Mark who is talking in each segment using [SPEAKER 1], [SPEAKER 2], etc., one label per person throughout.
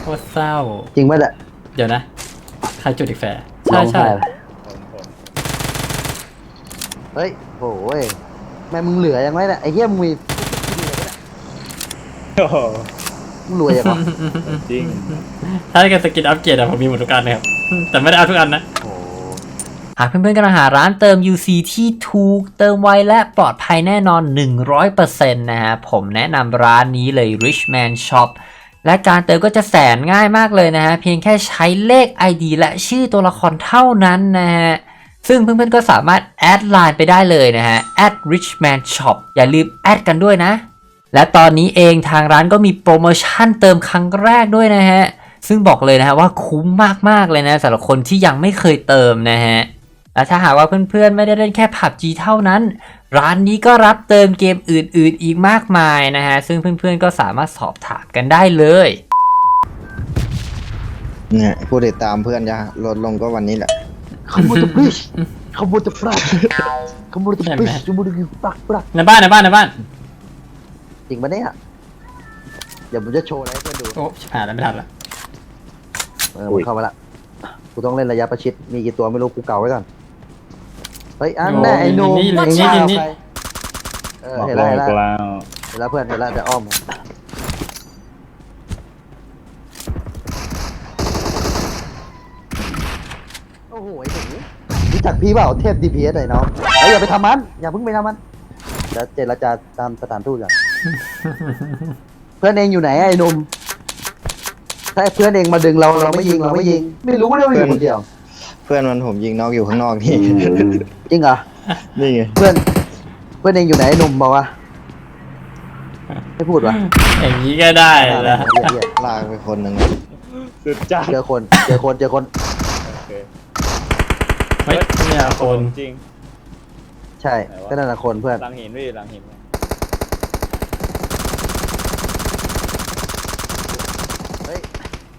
[SPEAKER 1] ตรเศร้า
[SPEAKER 2] จริงไหมล่ะ
[SPEAKER 1] เดี๋ยวนะใครจุดอีกแฟร์ใช่
[SPEAKER 2] เฮ้ยโอ้ยแม่มึงเหลือยังไงเนี่ยไอ้เหี้ยมึงมีมึงรวยยังวะ
[SPEAKER 3] จริง
[SPEAKER 1] ถ้าเกิดสกินอัปเกรดอะผมมีหมดทุกอันนะครับแต่ไม่ได้เอาทุกอันนะหากเพื่อนๆกำลังหาร้านเติม UC ที่ถูกเติมไวและปลอดภัยแน่นอน 100% นะฮะผมแนะนำร้านนี้เลย Richman Shop และการเติมก็จะแสนง่ายมากเลยนะฮะเพียงแค่ใช้เลข ID และชื่อตัวละครเท่านั้นนะฮะซึ่งเพื่อนๆก็สามารถแอดไลน์ไปได้เลยนะฮะ @richman shop อย่าลืมแอดกันด้วยนะและตอนนี้เองทางร้านก็มีโปรโมชั่นเติมครั้งแรกด้วยนะฮะซึ่งบอกเลยนะฮะว่าคุ้มมากๆเลยนะสำหรับคนที่ยังไม่เคยเติมนะฮะและถ้าหากว่าเพื่อนๆไม่ได้เล่นแค่ PUBG เท่านั้นร้านนี้ก็รับเติมเกมอื่นๆอีกมากมายนะฮะซึ่งเพื่อนๆก็สามารถสอบถามกันได้เลย
[SPEAKER 4] เนี่ยผู้ติดตามเพื่อนจะลดลงก็วันนี้แหละ
[SPEAKER 2] ขโมยจะปริชขโมยจะปลักขโมยจะปริชขโมยจะปลัก
[SPEAKER 1] ในบ้าน
[SPEAKER 2] จริงปะเนี่ยเดี๋ยวผมจะโชว์อะไรให้เพื่อนดู
[SPEAKER 1] โอ้ชิบหายแล้วไม่ทันละ
[SPEAKER 2] มันเข้ามาละกูต้องเล่นระยะประชิดมีกี่ตัวไม่รู้กูเก่าไว้ก่อนเฮ้ยอันแน่ไอ้หนุ่ม
[SPEAKER 1] นี่
[SPEAKER 2] เห็นแล้วเพื่อนเห็นแล้วจะอ้อมโอ้โหไอ้หนูรู้จักพี่เปล่าเทพ DPS ไอ้น้องอย่าไปทำมันอย่าเพิ่งไปทำมันจะเจรจาตามสถานทูตก่อนเพื่อนเองอยู่ไหนไอ้หนุ่มถ้าเพื่อนเองมาดึงเราไม่ยิงไม่รู้ว่าเราอยู่คนเดียว
[SPEAKER 4] เพื่อนมันผมยิงนอกอยู่ข้างนอกนี่
[SPEAKER 2] จริงเหรอ
[SPEAKER 4] นี่ไง
[SPEAKER 2] เพื่อนเองอยู่ไหนไอ้หนุ่มบอกว่าไม่พูดวะ
[SPEAKER 1] อย่างนี้ก็ได้แล้ว
[SPEAKER 4] ลากไปคนหนึ่ง
[SPEAKER 3] สุดจ้า
[SPEAKER 2] เจอคน
[SPEAKER 1] เฮ้ยเนี่ยคน
[SPEAKER 3] จริง
[SPEAKER 2] ใช่ก็นั่นแหละคนเพื่อน
[SPEAKER 3] หลังหินพี่หลังหิน
[SPEAKER 2] เฮ้ย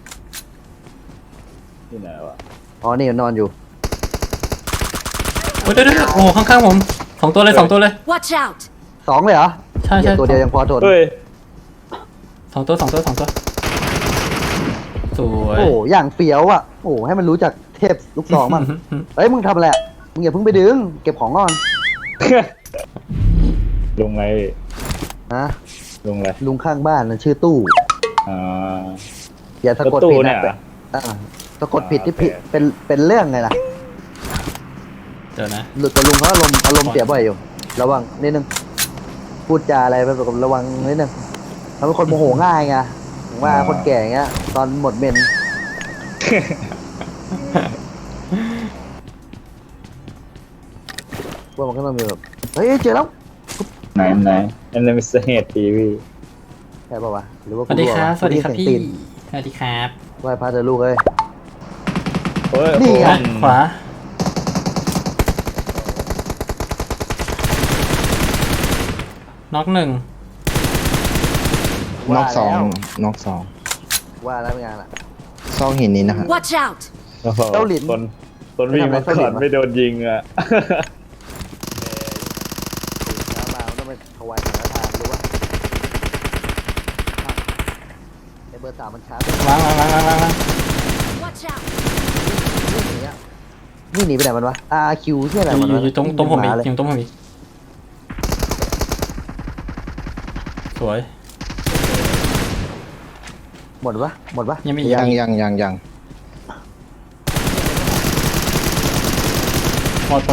[SPEAKER 3] ที่ไหนวะ
[SPEAKER 2] อ๋อนี่นอนอยู่
[SPEAKER 1] เดี๋ยวโอ้ข้างๆผม2 ตัวเลย
[SPEAKER 5] Watch out
[SPEAKER 2] 2เลยเหรอ
[SPEAKER 1] ใช่
[SPEAKER 2] ตัวเดียวยังพอทน
[SPEAKER 1] 2 ตัวสวย
[SPEAKER 2] โอ้อย่างเฟี้ยวอ่ะโอ้ให้มันรู้จักเทพลูกซองมั่งเฮ้ยมึงทำอะไรมึงอย่าเพิ่งไปดึงเก็บของก่อน
[SPEAKER 3] ลุงไง
[SPEAKER 2] ฮะ
[SPEAKER 3] ลุงอะไร
[SPEAKER 2] ลุงข้างบ้านชื่อตู้อย่าสะกดผิดนะสะกดผิดที่ผิดเป็นเรื่องไงล่ะ
[SPEAKER 1] เดี๋ยวนะ
[SPEAKER 2] หลุดแต่ลุงเขาอารมณ์เสียบ่อยอยู่ระวังนิดนึงพูดจาอะไรไปแบบระวังนิดนึงเขาเป็นคนโมโหง่ายไงผมว่าคนแก่เงี้ยตอนหมดเมนว่ามันก็ต้องมีแบบเฮ้ยเจอแล้ว
[SPEAKER 3] ไหนอันนั้นเป็นเหตุทีวี
[SPEAKER 2] ใช่ป่าวะหรือว่า
[SPEAKER 1] สวัสดีครับพี่สวัสดีครับ
[SPEAKER 2] ไหว้พระเถอะลูกเอ้ย
[SPEAKER 1] นี่ไงขวาน็อก1
[SPEAKER 4] น็อก2
[SPEAKER 2] ว่าแล้วเป็นไงล่ะ
[SPEAKER 4] ซองหินนี้นะครับ
[SPEAKER 5] Watch out
[SPEAKER 2] เจ้าหลิน
[SPEAKER 3] ต้นวิ่งมาก่อนไม่โดนยิงอ่ะ
[SPEAKER 2] มาต้องไปถวายสังฆทานรู้ป่ะไอเบอร์3มันช้า
[SPEAKER 1] ล้าง
[SPEAKER 5] Watch out
[SPEAKER 2] นี่หนีไปไหนมันวะ RQ ที่อะไรมัน
[SPEAKER 1] อยู่ตรงผมอีกสวย
[SPEAKER 2] หมดปะ
[SPEAKER 4] ยัง
[SPEAKER 1] หมด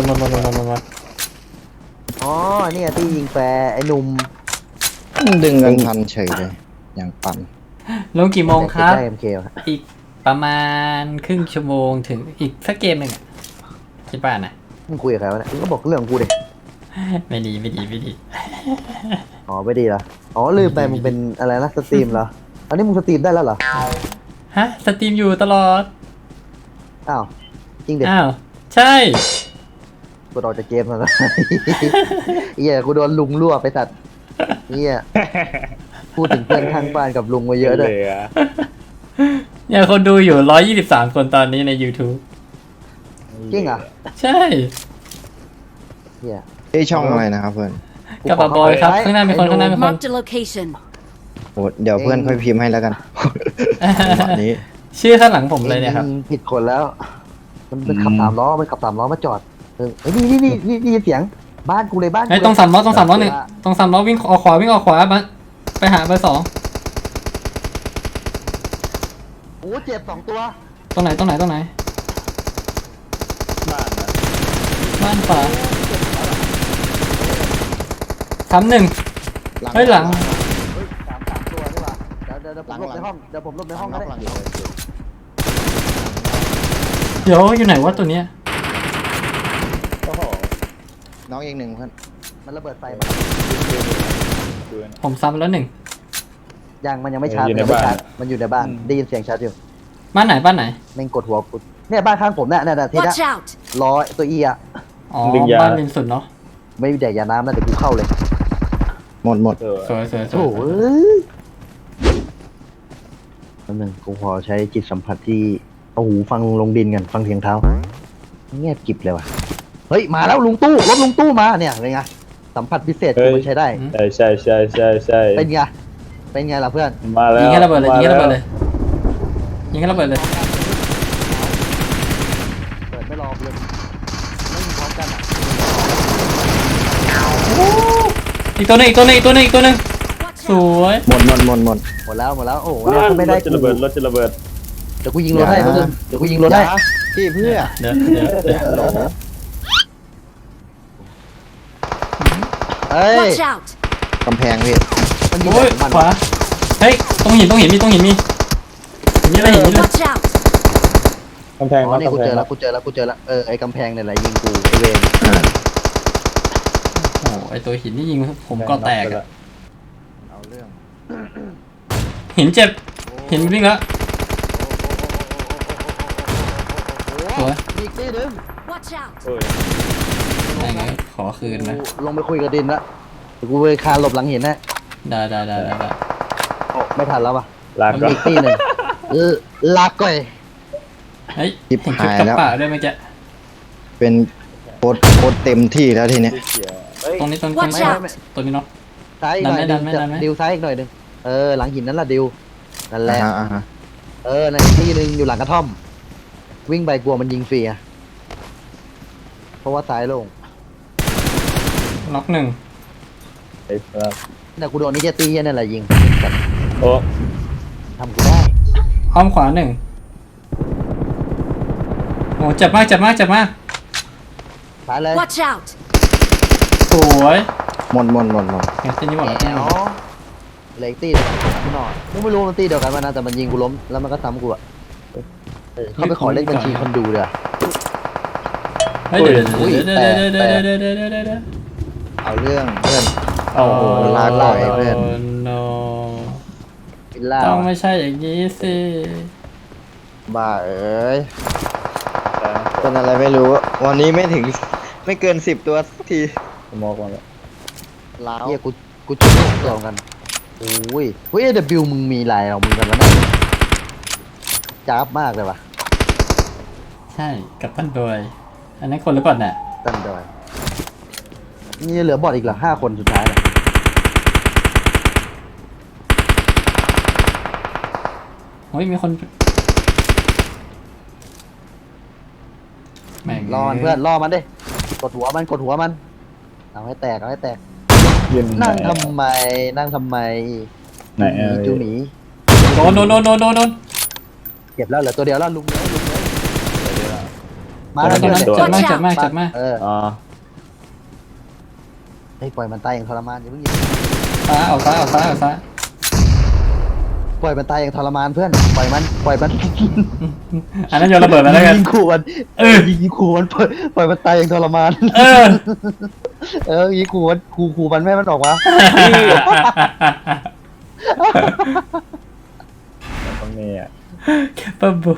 [SPEAKER 2] อ๋อนี่ที่ยิงแฟร์ไอ้หนุ่ม
[SPEAKER 4] ดึงกันทันเฉยเลยอย่างปั่น
[SPEAKER 1] ลงกี่โมงครับ
[SPEAKER 2] ได้ MK
[SPEAKER 1] อีกประมาณครึ่งชั่วโมงถึงอีกสักเกมหนึ่งคิดป่ะนะ
[SPEAKER 2] มึงคุยกับใครวะเนี่ยมึงก็บอกเรื่องกูดิ
[SPEAKER 1] ไม่ดี
[SPEAKER 2] อ๋อไม่ดีเหรออ๋อลืมไปมึงเป็นอะไรนะสตรีมเหรออันนี้มึงสตรีมได้แล้วเหรอ
[SPEAKER 1] ฮะสตรีมอยู่ตลอด
[SPEAKER 2] อ้าวจริงเด็ด
[SPEAKER 1] อ้าวใช่
[SPEAKER 2] กูรอจะเกมแล้วนะเหี้ยกูโดนลุงรั่วไปตัดเหี้ยพูดถึงเพื่อนข้างบ้านกับลุงมาเยอะเลย
[SPEAKER 1] เนี่ยคนดูอยู่123 คนตอนนี้ใน YouTube
[SPEAKER 2] จริงอ่ะ
[SPEAKER 1] ใช่
[SPEAKER 2] เหี้ย
[SPEAKER 4] ช่องอะไรนะครับเพื่อน
[SPEAKER 1] กับบอยครับข้างหน้ามีคน
[SPEAKER 4] โหเดี๋ยวเพื่อนค่อยพิมพ์ให้แล้วกันจังหวะนี้
[SPEAKER 1] ชื่อข้างหลังผมเลยเนี่ยครับ
[SPEAKER 2] องผิดคนแล้ว มันขับ3 ล้อมันขับ3 ล้อมาจอดเฮ้ยนี่เสียงบ้านกูเลยบ้านกู
[SPEAKER 1] เฮ้ยตรง3 ล้อตรง3 ล้อหนึ่งตรง3 ล้อวิ่งออกขวาวิ่งออกขวาบ้านไปหาเบอร์ 2
[SPEAKER 2] โอ้เจ็บ2 ตัว
[SPEAKER 1] ตรงไหน
[SPEAKER 3] บ้านนะ
[SPEAKER 1] บ้านขวาซ้ำหนึ่งเฮ้ยหลัง
[SPEAKER 2] เฮ้ย3 ตัวนี่หว่าเดี๋ยวผมหลบในห้องเดี๋ยวผมหลบในห้องก็ได้
[SPEAKER 1] เดี๋ยวอยู่ไหนวะตัวเนี้ย
[SPEAKER 3] โอ้โห
[SPEAKER 4] น้องอีกหนึ่งเพื่อน
[SPEAKER 2] มันระเบิดไฟมา
[SPEAKER 3] ดูนะ
[SPEAKER 1] ผมซ้ำแล้วหนึ่ง
[SPEAKER 2] มันยังไม่ชาร์จ
[SPEAKER 3] อยู่ใน
[SPEAKER 2] ยังไม่
[SPEAKER 3] บ้าน
[SPEAKER 2] ชาร์จมันอยู่ในบ้านได้ยินเสียงชาร์จอยู่
[SPEAKER 1] บ้านไหนบ้านไหน
[SPEAKER 2] แม่งกดหัวกูเนี่ยบ้านข้างผมเนี่ยทีเนี้
[SPEAKER 5] Watch out!
[SPEAKER 2] ล้อตัวอีอะ
[SPEAKER 1] อ๋อ
[SPEAKER 3] ดึงยา
[SPEAKER 1] บ้านริมสุดเนาะ
[SPEAKER 2] ไม่มีแดกยาน้ำนะเดี๋ยวกูเข้าเลย
[SPEAKER 4] หมด
[SPEAKER 3] เออ
[SPEAKER 1] สวยสวยส
[SPEAKER 2] โอ้
[SPEAKER 1] วย
[SPEAKER 2] ยแป๊บนึงกูขอใช้จิตสัมผัสที่เอาหูฟังลงดินกันฟังเสียงเท้าเงียบกริบเลยว่ะเฮ้ยมาแล้วลุงตู้รถลุงตู้มาเนี่ยเป็นไงสัมผัสพิเศษกูมันใช้ได้
[SPEAKER 3] ใช่
[SPEAKER 2] เป็นไงเป็นไงล่ะเพื่อน
[SPEAKER 3] มาแล้ว
[SPEAKER 1] ยิงแค่ระเบิดเลยยิงแค่ระเบิด
[SPEAKER 3] มา
[SPEAKER 1] เลยยิงแค่ระเบิดเลย
[SPEAKER 2] เปิดไม่รอเลยไม่มีพร้อมกันอ่ะ
[SPEAKER 1] อีกตัวหนึงอีกตัวหนึงอีกตัวหนึงอีกตัวหนึง
[SPEAKER 5] Watch
[SPEAKER 1] ส
[SPEAKER 5] out!
[SPEAKER 1] วย
[SPEAKER 4] หมด
[SPEAKER 2] หมดแล้วโอ้โห
[SPEAKER 3] แล้ว
[SPEAKER 2] เนี่ยถ้าไม่ได้
[SPEAKER 3] รถจะระเบิดรถจะระเบิด
[SPEAKER 2] เดี๋ยวกูยิงรถให้เพื่อนเดี๋ยวกูยิงรถให้
[SPEAKER 4] พี่เพื่อ
[SPEAKER 1] เดี๋ยวเดี๋ยว
[SPEAKER 2] เอ้ย
[SPEAKER 5] Watch out!
[SPEAKER 4] กำแพงพี่
[SPEAKER 2] มันยิง
[SPEAKER 1] โอ้ย
[SPEAKER 2] ของมัน
[SPEAKER 1] ขวาเฮ้ยตรงหินมีตรงหินมีนี่อะไรหินนี่เลย
[SPEAKER 5] Watch out!
[SPEAKER 3] กำแพง
[SPEAKER 2] อ๋อนี่
[SPEAKER 3] กำ
[SPEAKER 2] กู
[SPEAKER 3] แพ
[SPEAKER 2] เจ
[SPEAKER 3] ง
[SPEAKER 2] อแล้วกูเจอแล้วไอ้กำแพงเนี่ยแหละยิงกูไอ้เวร
[SPEAKER 1] โอ้ไอตัวหินนี่ยิงผมก็แตกอะ
[SPEAKER 4] เอาเรื่อง
[SPEAKER 1] หินเจ็บหินวิ่งแล้ว สวย
[SPEAKER 2] อีกนิดนึง
[SPEAKER 5] Watch out!
[SPEAKER 3] โอ้ย
[SPEAKER 1] อะไรเงี้ยขอคืนนะ
[SPEAKER 2] ลงไปคุยกับดินละเดี๋ยวกูไปคานหลบหลังหินนะ
[SPEAKER 1] ได้
[SPEAKER 2] โอ้ไม่ทันแล้วป่ะ
[SPEAKER 3] ลากก็
[SPEAKER 2] อีกตีหนึ่งลากก่อย
[SPEAKER 1] เฮ้ยเห็นคลิปกระป๋าด้วยเมื่อกี้
[SPEAKER 4] เป็นโคตรเต็มที่แล้วทีเนี้ย
[SPEAKER 3] ที่เขียวเฮ้ย
[SPEAKER 1] ตรงนี้
[SPEAKER 5] Watch out
[SPEAKER 1] ตัวนี้เนาะ
[SPEAKER 2] ซ้ายอีกหน่อย
[SPEAKER 1] ดันไหม
[SPEAKER 2] ดิวซ้ายอีกหน่อยหนึงหลังหินนั่นแหละดิวนั่นแหละ
[SPEAKER 4] อ่าฮะ
[SPEAKER 2] ในอีกที่หนึ่งอยู่หลังกระท่อม วิ่งไปกลัวมันยิงฟรีอะเพราะว่าซ้ายโล่ง
[SPEAKER 1] ล็อกหนึ่ง
[SPEAKER 3] ไอ้ครับ
[SPEAKER 2] แต่กูโดนนี่แค่ตีนั่นแหละยิง
[SPEAKER 3] โอ้
[SPEAKER 2] ทำกูได้
[SPEAKER 1] อ้อมขวาหนึ่งโอ้เจ็บมาก
[SPEAKER 2] ซ้ายเลย
[SPEAKER 5] Watch out!
[SPEAKER 1] สวย
[SPEAKER 4] หมด
[SPEAKER 1] งั้นเส้นนี้หมดแล้ว
[SPEAKER 2] แอ๋วเหล็กตีเดียวกันกูหน่อยมึงไม่รู้มันตีเดียวกันมานะแต่มันยิงกูล้มแล้วมันก็ซ้ำกูอะเขาไปขอเลขบัญชีคนดูเลยอะ
[SPEAKER 1] เฮ้ยเดี๋ยว
[SPEAKER 2] อุ้ยแต่
[SPEAKER 4] เอาเรื่องเพื่อน
[SPEAKER 1] โอ้
[SPEAKER 4] ลาก่อยเพื่อน
[SPEAKER 1] no
[SPEAKER 2] วิลล่า
[SPEAKER 1] ต้องไม่ใช่อย่างนี้สิ
[SPEAKER 4] บ้าเอ้ยเป็นอะไรไม่รู้ วันนี้ไม่ถึงไม่เกิน10 ตัวสักที
[SPEAKER 3] สมองมาแล้ว
[SPEAKER 4] ล้าว
[SPEAKER 2] เฮียกูจุดเดียวกันโอ้ยเฮ้ยเดบิวมึงมีลายของมึงกันแล้วนะจ้าบมากเลยว่ะ
[SPEAKER 1] ใช่กับตันโดยอันนั้นคนหรือเปล่าเนี่ย
[SPEAKER 2] ตั้งดอยนี่เหลือบอดอีกเหรอ5 คนสุดท้ายเนี่ย
[SPEAKER 1] โอ้ยมีคนแม่ง
[SPEAKER 2] รอมันเพื่อนรอมันดิกดหัวมันเอาให้แตก
[SPEAKER 3] ยืน
[SPEAKER 2] นั่งทำไม
[SPEAKER 3] ไหนอะ
[SPEAKER 2] จูหมี
[SPEAKER 1] โดน
[SPEAKER 2] เก็บแล้วเหลือตัวเดียวแล้วลุงเลยมา
[SPEAKER 1] ต
[SPEAKER 2] แล้
[SPEAKER 1] ร
[SPEAKER 2] ว
[SPEAKER 1] ง
[SPEAKER 2] เดี๋ยว
[SPEAKER 1] นั้น
[SPEAKER 2] เนี่ย
[SPEAKER 1] เจ็บมาก
[SPEAKER 3] อ๋อ
[SPEAKER 2] ให้ปล่อยมันตายอย่างทรมานอย่าเพิ่งยิง
[SPEAKER 1] ซ้ายออกซ้าย
[SPEAKER 2] ปล่อยมันตายอย่างทรมานเพื่อนปล่อยมัน
[SPEAKER 1] อันนั้นโยนระเบิดมาแล้วกัน
[SPEAKER 2] ยิงขู่มันยิงขู่มันปล่อยมันตายอย่างทรมานยิงขู่มันขู่มันไม่ให้มันออกมา
[SPEAKER 3] ตรงนี้อ่ะ
[SPEAKER 1] แคปเปอร์บู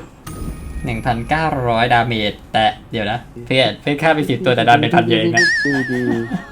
[SPEAKER 1] 1,900 ดาเมจแต่เดี๋ยวนะเพื่อนฆ่าไป10 ตัวแต่ดาเมจ1,000เยอะเองนะ
[SPEAKER 2] ดี